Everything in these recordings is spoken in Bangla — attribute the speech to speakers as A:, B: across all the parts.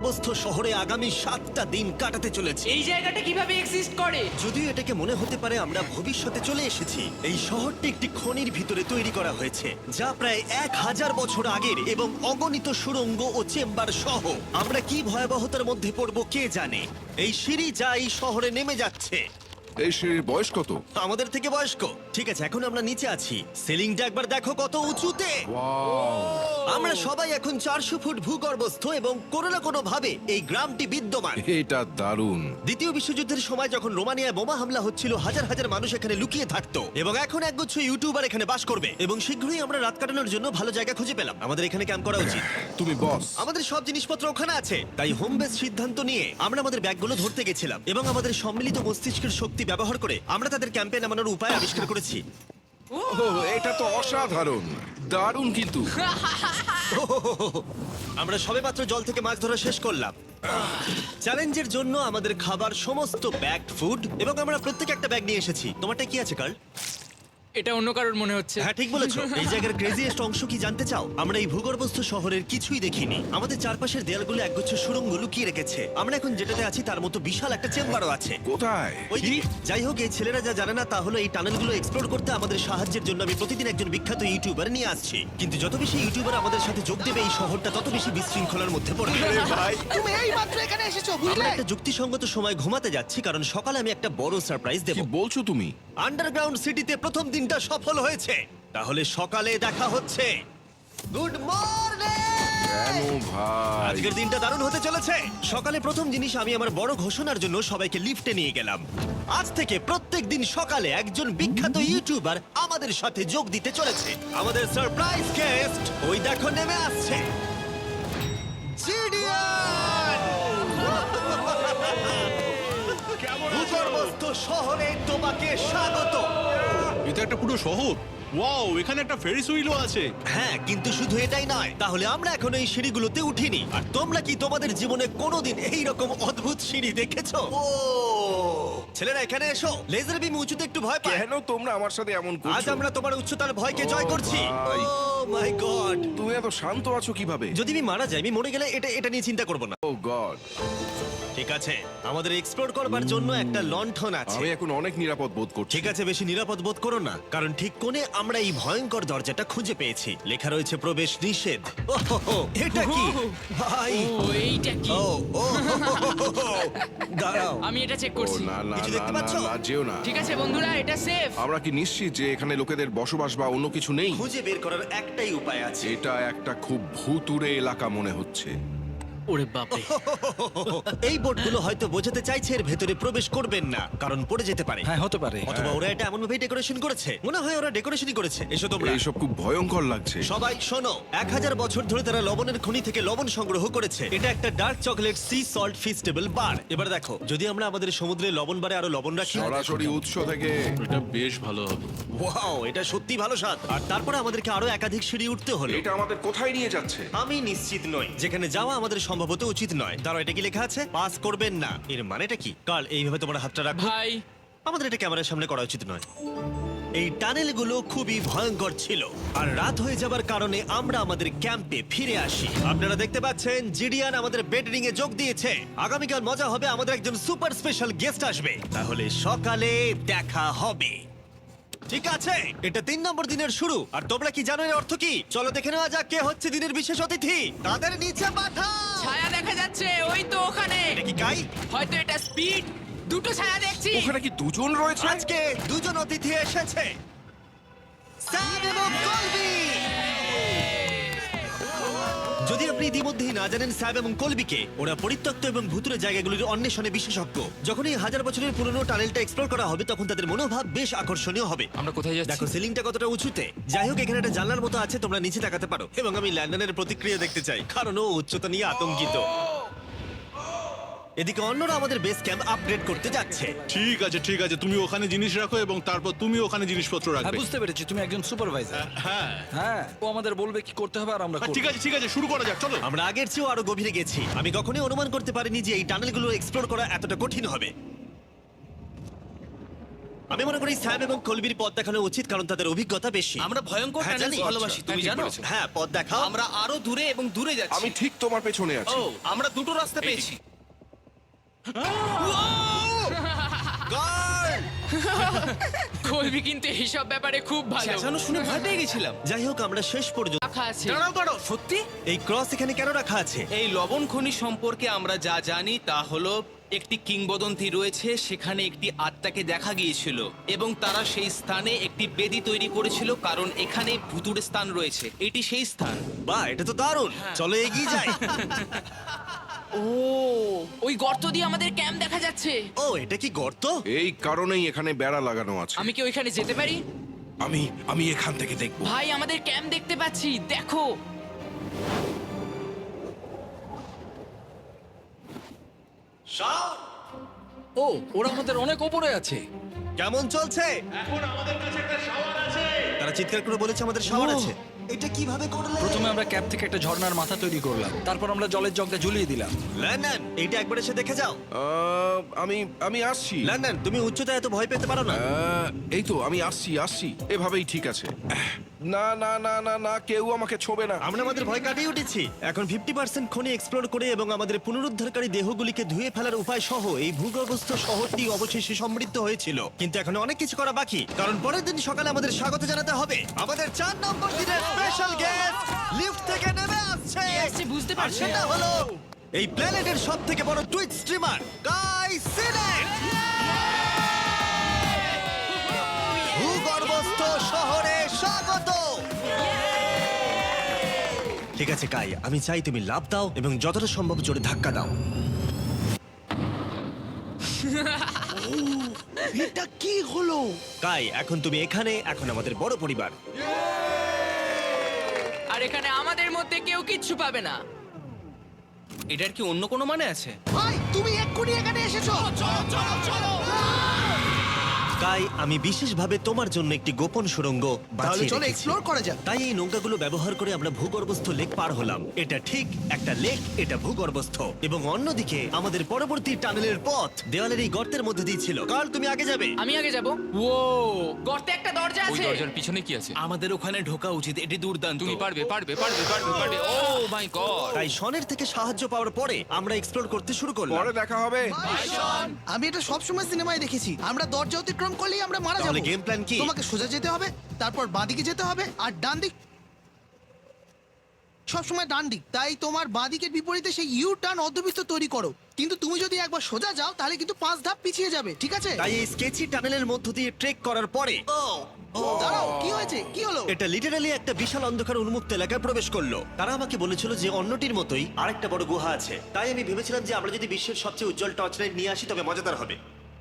A: ভূগর্ভস্থ শহরে আগামী 7টা দিন কাটাতে চলেছি।
B: এই জায়গাটা কিভাবে এক্সিস্ট করে?
A: যদিও এটাকে মনে হতে পারে আমরা ভবিষ্যতে চলে এসেছি, এই শহরটি একটি খনির ভিতরে তৈরি করা হয়েছে যা প্রায় 1000 বছর আগের এবং অগণিত সুড়ঙ্গ ও চেম্বার সহ। আমরা কি ভয়াবহতার মধ্যে পড়ব কে জানে। এই সিঁড়ি যা এই শহরে নেমে যাচ্ছে
C: এই সিঁড়ির বয়স কত?
A: আমাদের থেকে বয়স্ক। ঠিক আছে, এখন আমরা নিচে আছি। সিলিংটা একবার দেখো কত উঁচুতে। আমরা সবাই এখন 400 ফুট ভূগর্ভস্থ এবং কোনো না কোনো ভাবে এই গ্রামটি বিদ্যমান।
C: এটা দারুণ।
A: দ্বিতীয় বিশ্বযুদ্ধের সময় যখন রোমানিয়ায় বোমা হামলা হচ্ছিল, হাজার হাজার মানুষ এখানে লুকিয়ে থাকতো এবং এখন একগুচ্ছ ইউটিউবার এখানে বাস করবে এবং শীঘ্রই আমরা রাত কাটানোর জন্য ভালো জায়গা খুঁজে পেলাম। আমাদের এখানে ক্যাম্প করা উচিত।
C: তুমি বস।
A: আমাদের সব জিনিসপত্র ওখানে আছে, তাই হোম বেস সিদ্ধান্ত নিয়ে আমরা আমাদের ব্যাগগুলো ধরতে গেছিলাম এবং আমাদের সম্মিলিত মস্তিষ্কের শক্তি ব্যবহার করে আমরা তাদের ক্যাম্পে নামানোর উপায় আবিষ্কার করেছি।
C: এটা তো অসাধারণ, দারুণ। কিন্তু
A: আমরা সবেমাত্র জল থেকে মাছ ধরা শেষ করলাম। চ্যালেঞ্জের জন্য আমাদের খাবার সমস্ত ব্যাগড ফুড এবং আমরা প্রত্যেক একটা ব্যাগ নিয়ে এসেছি। তোমারটা কি আছে কার্ল?
B: এটা অন্য কারোর মনে হচ্ছে।
A: হ্যাঁ, ঠিক বলেছো। এই জায়গার ক্রেজিয়েস্ট অংশ কি জানতে চাও? আমরা এই ভূগর্ভস্থ শহরের কিছুই দেখিনি। আমাদের চারপাশের দেয়ালগুলো একগুচ্ছ সুড়ঙ্গ লুকিয়ে রেখেছে। আমরা এখন যেটাতে আছি তার মতো বিশাল একটা চেম্বারও আছে।
C: কোথায়?
A: ওইদিকে। যাই হোক, এই ছেলেরা যা জানে না তা হলো এই টানেলগুলো এক্সপ্লোর করতে আমাদের সাহায্যের জন্য আমি প্রতিদিন একজন বিখ্যাত ইউটিউবার নিয়ে আসছি। কিন্তু যত বেশি ইউটিউবার আমাদের সাথে যোগ দেবে এই শহরটা তত বেশি বিশৃঙ্খলার মধ্যে পড়বে।
D: তুমি এই মাত্র এখানে এসেছো,
A: আমরা
D: বুঝলে?
A: একটা যুক্তিসঙ্গত সময় ঘুমাতে যাচ্ছি কারণ সকালে আমি একটা বড় সারপ্রাইজ দেব।
C: কি বলছো তুমি?
A: আন্ডারগ্রাউন্ড সিটিতে প্রথম দিনটা সফল হয়েছে। তাহলে সকালে দেখা হচ্ছে। Good morning!
C: কেন ভাই?
A: আজকের দিনটা দারুণ হতে চলেছে। সকালে প্রথম জিনিস, আমি আমার বড় ঘোষণার জন্য সবাইকে লিফটে নিয়ে গেলাম। আজ থেকে প্রত্যেক দিন সকালে একজন বিখ্যাত ইউটিউবার আমাদের সাথে যোগ দিতে চলেছে। আমাদের সারপ্রাইজ গেস্ট ওই দেখো নেমে আসছে, জিডিয়ান! ভূগর্ভস্থ শহরে তোমাকে স্বাগত।
E: এটা একটা পুরো শহর। ওয়াও, এখানে একটা ফেরিস হুইলও আছে।
A: হ্যাঁ, কিন্তু শুধু এটাই নয়। তাহলে আমরা এখন এই সিঁড়িগুলোতে উঠিনি। আর তোমরা কি তোমাদের জীবনে কোনোদিন এই রকম অদ্ভুত সিঁড়ি দেখেছো? ও ছেলেরা, এখানে এসো। লেজার বিম উঁচুতে একটু ভয় পায়।
C: কেন তোমরা আমার সাথে এমন
A: আজ
C: করছো?
A: আমরা তোমার উচ্চতার ভয়কে জয়
C: ও
A: করছি।
C: ভাই।
A: Oh my god!
C: তুমি এত শান্ত আছো কিভাবে?
A: যদি আমি মারা যাই, আমি মরে গেলে এটা নিয়ে চিন্তা করব না।
C: ও গড,
A: ঠিক আছে, আমাদের এক্সপ্লোর করবার জন্য একটা লণ্ঠন আছে।
C: আমি এখন অনেক নিরাপদ বোধ করছি।
A: ঠিক আছে, বেশি নিরাপদ বোধ করো না, কারণ ঠিক কোণে আমরা এই ভয়ঙ্কর দরজাটা খুঁজে পেয়েছি। লেখা রয়েছে প্রবেশ নিষেধ। ওহো, এটা কি ভাই?
B: ও এইটা কি?
A: ও ও হো, হো, হো, হো। দাঁড়াও,
B: আমি এটা চেক
C: ও
B: করছি।
C: না না
A: কিছু
C: না
A: দেখতে
C: না
A: পাচ্ছো?
C: না, যেও না।
B: ঠিক আছে বন্ধুরা, এটা সেফ।
C: আমরা কি নিশ্চিত যে এখানে লোকেদের বসবাস বা অন্য কিছু নেই?
A: খুঁজে বের করার একটাই উপায় আছে।
C: এটা একটা খুব ভুতুড়ে এলাকা মনে হচ্ছে।
B: ওরে বাপরে।
A: এই বোর্ডগুলো হয়তো বোঝাতে চাইছে এর ভেতরে প্রবেশ করবেন না, কারণ পড়ে যেতে পারে।
F: হ্যাঁ, হতে পারে।
A: অথবা ওরা এটা এমন ভাবে ডেকোরেশন করেছে, মনে হয় ওরা ডেকোরেশনই করেছে। এসো তোমরা।
C: এইসব খুব ভয়ঙ্কর লাগছে।
A: সবাই শোনো, 1000 বছর ধরে তারা লবণের খনি থেকে লবণ সংগ্রহ করেছে। এটা একটা dark chocolate sea salt Feastable bar. এবার দেখো, যদি আমরা আমাদের সমুদ্রে লবণ বারে আরো লবণ রাখি।
C: সরাসরি উৎস থেকে।
E: এটা বেশ ভালো হবে।
A: ওয়াও, এটা সত্যি ভালো স্বাদ। আর তারপরে আমাদেরকে আরো একাধিক সিঁড়ি উঠতে হলো।
C: এটা আমাদের কোথায় নিয়ে যাচ্ছে?
A: আমি নিশ্চিত নই, যেখানে যাওয়া আমাদের সম্ভবত উচিত নয়। তারা এটা কি লেখা আছে? পাস করবেন না। এর মানেটা কি? কার্ল, এইভাবে তোমার হাতটা রাখো।
B: ভাই,
A: আমাদের এটা ক্যামেরার সামনে করা উচিত নয়। এই টানেলগুলো খুবই ভয়ঙ্কর ছিল আর রাত হয়ে যাবার কারণে আমরা আমাদের ক্যাম্পে ফিরে আসি। আপনারা দেখতে পাচ্ছেন জিডিয়ান আমাদের বেডরিং এ যোগ দিয়েছে। আগামীকাল মজা হবে, আমাদের একজন সুপার স্পেশাল গেস্ট আসবে। তাহলে সকালে দেখা হবে। ঠিক আছে, এটা 3 নম্বর দিনের শুরু। আর তোমরা কি জানো এর অর্থ কি? চলো দেখে নেওয়া যাক কে হচ্ছে দিনের বিশেষ অতিথি। তাদের নিচে পাঠাও।
B: ছায়া দেখা যাচ্ছে ওই তো ওখানে।
A: এটা কি কাই?
B: হয়তো এটা স্পিড। দুটো ছায়া দেখছি।
C: ওখানে কি দুজন রয়েছে?
A: আজকে দুজন অতিথি এসেছে, স্যাম এবং কলবি। যদি আপনি ইতিমধ্যেই না জানেন স্যাম এবং কলবিকে, ওরা পরিত্যক্ত এবং ভুতুরে জায়গাগুলির অন্বেষণে বিশেষজ্ঞ। যখন এই 1000 বছরের পুরনো টানেলটা এক্সপ্লোর করা হবে তখন তাদের মনোভাব বেশ আকর্ষণীয় হবে।
B: আমরা কোথায় যাচ্ছি?
A: দেখো সিলিংটা কতটা উঁচুতে। যাই হোক, এখানে একটা জানলার মতো আছে, তোমরা নিচে তাকাতে পারো। এবং আমি ল্যান্ডনের প্রতিক্রিয়া দেখতে চাই, কারণ ও উচ্চতা নিয়ে আতঙ্কিত। এদিকে অন্যরা আমাদের বেস ক্যাম্প আপগ্রেড করতে যাচ্ছে।
E: ঠিক আছে ঠিক আছে, তুমি ওখানে জিনিস রাখো এবং তারপর তুমি ওখানে জিনিসপত্র
F: হ্যাঁ,
E: রাখবে।
F: বুঝতে পেরেছি, তুমি একজন সুপারভাইজার।
E: হ্যাঁ
F: হ্যাঁ, ও আমাদের বলবে কি করতে হবে আর আমরা করব।
E: ঠিক আছে, শুরু করা যাক, চলো।
A: আমরা আগের চেয়েও আরো গভীরে গেছি। আমি কখনোই অনুমান করতে পারিনি যে এই টানেলগুলো এক্সপ্লোর করা এতটা কঠিন হবে। আমি মনে করি স্যাম এবং কলবির পথ দেখানো উচিত, কারণ তাদের অভিজ্ঞতা বেশি।
G: আমরা ভয়ঙ্কর
A: হ্যাঁ,
G: টানেল
A: জানি।
G: ভালোবাসি, তুমি জানো?
A: হ্যাঁ, পথ দেখাও।
G: আমরা আরো দূরে এবং দূরে যাচ্ছি।
C: আমি ঠিক তোমার পেছনে আছি।
G: ও, আমরা দুটো রাস্তা পেয়েছি।
A: গার্ড!
B: কলবি কিন্তু এইসব ব্যাপারে খুব ভালো।
G: চেঁচানো শুনে ভয় পেয়ে গেছিলাম।
A: যাই হোক, আমরা শেষ পর্যন্ত
B: রাখা আছে।
G: দাঁড়াও, সত্যি?
A: এই ক্রস এখানে কেন রাখা আছে?
G: এই লবণ খনি সম্পর্কে আমরা যা জানি তা হলো একটি কিংবদন্তি রয়েছে, সেখানে একটি আত্মাকে দেখা গিয়েছিল এবং তারা সেই স্থানে একটি বেদি তৈরি করেছিল, কারণ এখানে ভুতুড়ে স্থান রয়েছে। এটি সেই স্থান।
A: বাহ, এটা তো দারুণ। চলো এগিয়ে যাই।
B: ও, ওই গর্ত দিয়ে আমাদের ক্যাম্প দেখা যাচ্ছে।
A: ও, এটা কি গর্ত?
C: এই কারণেই এখানে বেড়া লাগানো আছে।
B: আমি কি ওইখানে যেতে পারি?
C: আমি এখান থেকে দেখব।
B: ভাই, আমাদের ক্যাম্প দেখতে পাচ্ছি, দেখো।
F: ও, ওরা আমাদের অনেক ওপরে আছে।
A: কেমন চলছে? তারা চিৎকার করে বলেছে আমাদের শাওয়ার আছে। এটা কিভাবে করলে?
F: প্রথমে আমরা ক্যাপ থেকে একটা ঝর্ণার মাথা তৈরি করলাম, তারপর আমরা জলের জগটা ঝুলিয়ে দিলাম।
A: লন্ডন, এইটা একবার এসে দেখে যাও।
C: আমি আসছি।
A: লন্ডন, তুমি উচ্চতায় এত ভয় পেতে পারো না।
C: এই তো আমি আসছি। এভাবেই ঠিক আছে। না না না না না, কেউ আমাকে ছোবে না।
A: আমরা আমাদের ভয় কাটিয়ে উঠেছি। এখন 50% খনি এক্সপ্লোর করে এবং আমাদের পুনরুদ্ধারকারী দেহগুলিকে ধুয়ে ফেলার উপায় সহ এই ভূগর্ভস্থ শহরটি অবশেষে সমৃদ্ধ হয়েছিল। কিন্তু এখন অনেক কিছু করা বাকি, কারণ পরের দিন সকালে আমাদের স্বাগত জানাতে হবে আমাদের 4 নম্বর দিনের স্পেশাল গেস্ট লিফট থেকে নেমে আসছে।
B: কে আসছে বুঝতে
A: আর
B: পারছি
A: সেটা
B: না।
A: হলো এই প্ল্যানেটের সবথেকে বড় টুইট স্ট্রিমার গাই সিনেট। ভূগর্ভস্থ শহরে স্বাগত। ঠিক আছে কাই, আমি চাই তুমি লাফ দাও এবং যতটা সম্ভব জোরে ধাক্কা দাও।
D: এটা কি হলো?
A: কাই, এখন তুমি এখানে, এখন আমাদের বড় পরিবার।
B: আর এখানে আমাদের মধ্যে কেউ কিচ্ছু পাবে না।
G: এটার কি অন্য কোনো মানে আছে?
D: ভাই, তুমি এক্ষুনি এখানে এসেছো।
A: কাই, আমি বিশেষভাবে তোমার জন্য একটি গোপন সুড়ঙ্গ
D: তাহলে
A: বাছিয়ে
D: চলো
A: রেখেছি।
D: এক্সপ্লোর করা যাক।
A: তাই এই নৌকাগুলো ব্যবহার করে আমরা ভূগর্ভস্থ লেক পার হলাম। এটা ঠিক একটা লেক, এটা ভূগর্ভস্থ। এবং অন্যদিকে আমাদের পরবর্তী টানেলের পথ দেওয়ালের এই গর্তের মধ্যে দিয়ে ছিল। কাল, তুমি আগে যাবে।
B: আমি আগে যাব। ও, গর্তে একটা দরজা
H: ওই
B: আছে।
H: দরজার পিছনে কি আছে?
G: আমাদের ওখানে ঢোকা উচিত, এটি দুর্দান্ত।
H: তুমি পারবে। Oh my god!
A: তাই শনের থেকে সাহায্য পাওয়ার পরে আমরা এক্সপ্লোর করতে শুরু করলাম।
C: পরে দেখা হবে।
D: আমি এটা সবসময় সিনেমায় দেখেছি। আমরা দরজা অতিক্রম করলেই আমরা মারা
A: তাহলে
D: যাবো।
A: game plan কি?
D: তোমাকে সোজা যেতে হবে, তারপর বাঁদিকে যেতে হবে, আর ডান দিক সবসময় ডান দিক। তাই তোমার বাঁদিকের বিপরীতে সেই ইউ টার্ন অর্ধবৃত্ত তৈরি করো। কিন্তু তুমি যদি একবার সোজা যাও তাহলে কিন্তু 5 ধাপ পিছিয়ে যাবে, ঠিক আছে?
A: তাই এই স্কেচি টানেলের মধ্য দিয়ে ট্রেক করার পরে
D: দাঁড়াও, কি হয়েছে? কি হলো?
A: এটা লিটারালি একটা বিশাল অন্ধকার উন্মুক্ত এলাকায় প্রবেশ করলো। তারা আমাকে বলেছিল যে অন্যটির মতোই আরেকটা বড় গুহা আছে। তাই আমি ভেবেছিলাম যে আমরা যদি বিশ্বের সবচেয়ে উজ্জ্বল টর্চ লাইট নিয়ে আসি তবে মজাদার হবে।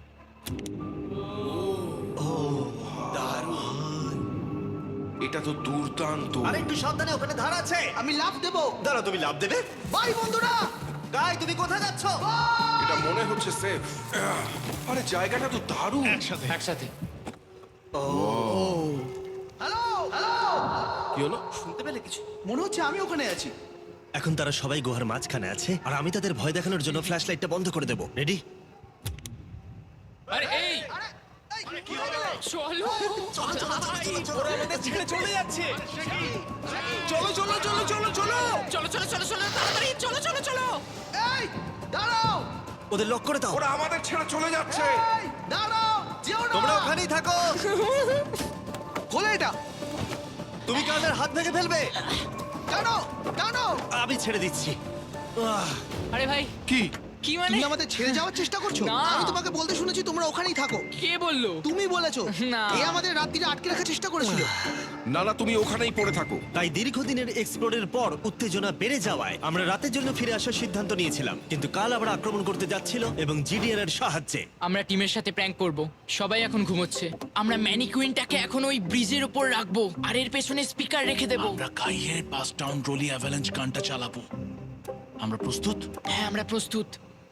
C: এটা তো দুর্দান্ত।
A: আর একটু সাবধানে, ওখানে ধার আছে।
D: আমি লাফ দেবো।
A: দাঁড়াও, তুমি লাভ দেবে?
D: বাই বন্ধুরা।
A: গাই, তুমি কোথায় যাচ্ছ?
C: এটা মনে হচ্ছে সেফ। আরে জায়গাটা তো দারুণ।
H: একসাথে।
D: Hello, hello.
C: কি হলো?
G: শুনতে পেলে কিছু?
D: মনে হচ্ছে আমি ওখানে আছি।
A: এখন তারা সবাই গুহার মাঝখানে আছে আর আমি তাদের ভয় দেখানোর জন্য ফ্ল্যাশ লাইটটা বন্ধ করে দেবো। রেডি?
H: আরে এই
B: চলো।
G: চলে যাচ্ছে।
B: চলো, তাড়াতাড়ি চলো।
D: এই, দাঁড়াও।
A: ওদের লক করে দাও।
C: ওরা আমাদের ছেড়ে চলে যাচ্ছে।
D: এই, দাঁড়াও, যেও না।
A: তোমরা ওখানেই থাকো।
D: খোলো এটা।
A: তুমি কাদের হাত ভেঙে ফেলবে।
D: টানো, টানো।
A: আমি ছেড়ে দিচ্ছি।
B: আরে ভাই,
C: কি?
B: কি মানে?
D: তুমি আমাদের ছেড়ে যাওয়ার চেষ্টা করছো?
B: না।
D: আমি তোমাকে বলতে শুনেছি তোমরা ওখানেই থাকো।
B: কে বললো?
D: তুমি বলেছো।
B: না।
D: এ আমাদের রাত্রিরে আটকে রাখার চেষ্টা করেছিল।
C: না না, তুমি ওখানেই পড়ে থাকো।
A: তাই দীর্ঘদিনের এক্সপ্লোরের পর উত্তেজনা বেড়ে যাওয়ায় আমরা রাতের জন্য ফিরে আসার সিদ্ধান্ত নিয়েছিলাম। কিন্তু কাল আবার আক্রমণ করতে যাচ্ছিল এবং জিডিএন এর সাহায্যে।
B: আমরা টিমের সাথে প্র্যাঙ্ক করব। সবাই এখন ঘুমোচ্ছে। আমরা ম্যানিকুইনটাকে এখন ওই ব্রিজের উপর রাখবো আর এর পেছনে স্পিকার রেখে দেব।
E: আমরা কাইয়ের পাস টাউন রোলি অ্যাভালাঞ্চ গানটা চালাবো। আমরা প্রস্তুত?
B: হ্যাঁ, আমরা প্রস্তুত।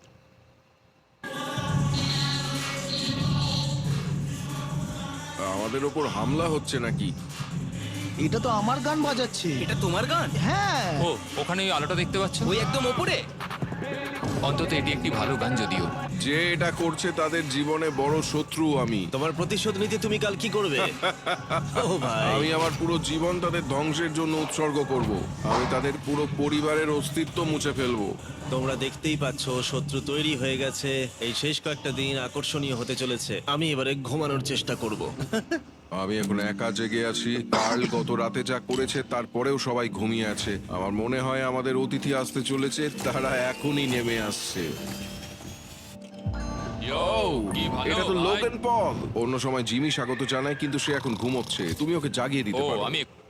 C: আমাদের ওপর হামলা হচ্ছে নাকি?
D: এটা তো আমার গান বাজাচ্ছে।
G: এটা তোমার গান?
D: হ্যাঁ।
H: ও ওখানে ওই আলোটা দেখতে পাচ্ছ?
G: ওই একদম ওপরে?
H: অন্তত এটি একটি ভালো গান যদিও।
C: যে এটা করছে তাদের জীবনে বড় শত্রু আমি।
A: তোমার প্রতিশোধ নিতে তুমি কাল কি করবে? ও ভাই,
C: আমি আমার পুরো জীবন তাদের ধ্বংসের জন্য উৎসর্গ করব। আমি তাদের পুরো পরিবারের অস্তিত্ব মুছে ফেলবো।
A: তোমরা দেখতেই পাচ্ছ শত্রু তৈরি হয়ে গেছে। এই শেষ কয়েকটা দিন আকর্ষণীয় হতে চলেছে। আমি এবারে ঘুমানোর চেষ্টা করব।
C: আমি এখন একা জেগে আছি। কার্ল গত রাতে যা করেছে তারপরেও সবাই ঘুমিয়ে আছে। আমার মনে হয় আমাদের অতিথি আসতে চলেছে, তারা এখনই নেমে আসছে।
H: কি ভালো
C: এটা তো
H: ভাই।
C: Logan Paul. অন্য সময় জিমি স্বাগত জানায়, কিন্তু সে এখন ঘুমোচ্ছে। তুমি ওকে জাগিয়ে দিতে
H: ও
C: পারো।
H: আমি